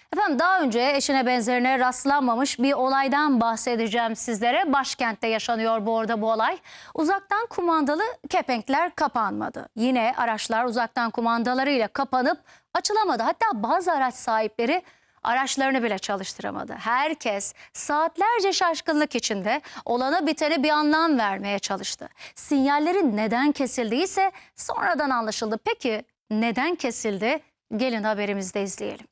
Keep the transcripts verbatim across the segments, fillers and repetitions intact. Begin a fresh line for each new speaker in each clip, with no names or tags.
Efendim daha önce eşine benzerine rastlanmamış bir olaydan bahsedeceğim sizlere. Başkentte yaşanıyor bu arada bu olay. Uzaktan kumandalı kepenkler kapanmadı. Yine araçlar uzaktan kumandalarıyla kapanıp açılamadı. Hatta bazı araç sahipleri araçlarını bile çalıştıramadı. Herkes saatlerce şaşkınlık içinde olana bitene bir anlam vermeye çalıştı. Sinyallerin neden kesildiyse sonradan anlaşıldı. Peki neden kesildi? Gelin haberimizde izleyelim.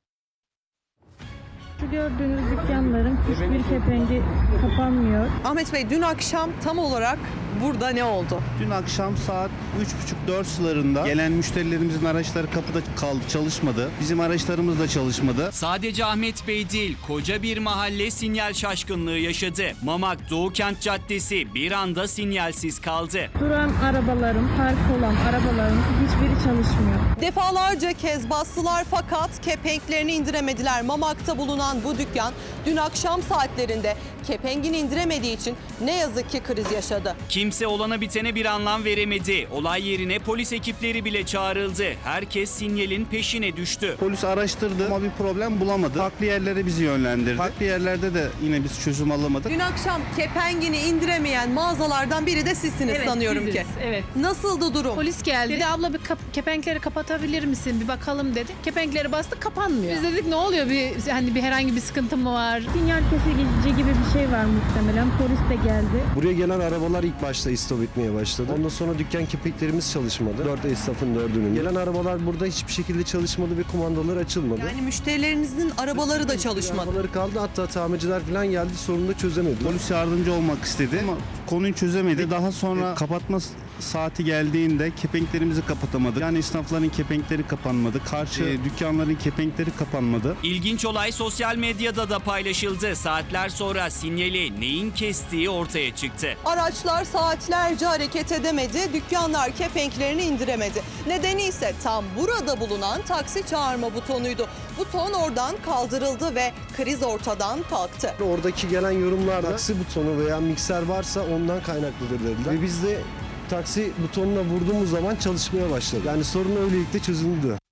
Şu gördüğünüz dükkanların hiçbir kepengi kapanmıyor.
Ahmet Bey, dün akşam tam olarak burada ne oldu?
Dün akşam saat üç buçuk dört sularında gelen müşterilerimizin araçları kapıda kaldı, çalışmadı. Bizim araçlarımız da çalışmadı.
Sadece Ahmet Bey değil, koca bir mahalle sinyal şaşkınlığı yaşadı. Mamak Doğukent Caddesi bir anda sinyalsiz kaldı.
Duran arabaların, park olan arabaların hiçbiri çalışmıyor.
Defalarca kez bastılar fakat kepenklerini indiremediler. Mamak'ta bulunan bu dükkan dün akşam saatlerinde kepengini indiremediği için ne yazık ki kriz yaşadı.
Kimse olana bitene bir anlam veremedi. Olay yerine polis ekipleri bile çağrıldı. Herkes sinyalin peşine düştü.
Polis araştırdı ama bir problem bulamadı. Farklı yerlere bizi yönlendirdi. Farklı yerlerde de yine biz çözüm alamadık.
Dün akşam kepengini indiremeyen mağazalardan biri de sizsiniz
Evet,
sanıyorum
biziz,
ki.
evet.
Nasıldı durum?
Polis geldi. Dedi abla bir kap- kepenkleri kapatabilir misin? Bir bakalım dedi. Kepenkleri bastı, kapanmıyor. Biz dedik ne oluyor? Bir hani bir herhangi bir sıkıntı mı var?
Sinyal kesici gibi bir şey var muhtemelen. Polis de geldi.
Buraya gelen arabalar ilk başta istop etmeye başladı. Ondan sonra dükkan kepenklerimiz çalışmadı. Dört esnafın dördünün. Gelen arabalar burada hiçbir şekilde çalışmadı ve kumandalar açılmadı.
Yani müşterilerinizin arabaları da çalışmadı.
Arabaları kaldı, hatta tamirciler falan geldi, sorunu da çözemedi.
Polis yardımcı olmak istedi ama konuyu çözemedi. Daha sonra kapatma saati geldiğinde kepenklerimizi kapatamadık. Yani esnafların kepenkleri kapanmadı. Karşı e, dükkanların kepenkleri kapanmadı.
İlginç olay sosyal medyada da paylaşıldı. Saatler sonra sinyali neyin kestiği ortaya çıktı.
Araçlar saatlerce hareket edemedi, dükkanlar kepenklerini indiremedi. Nedeni ise tam burada bulunan taksi çağırma butonuydu. Buton oradan kaldırıldı ve kriz ortadan kalktı.
Oradaki gelen yorumlarda taksi butonu veya mikser varsa ondan kaynaklıdır dediler. Ve biz de taksi butonuna vurduğumuz zaman çalışmaya başladı. Yani sorun öylelikle çözüldü.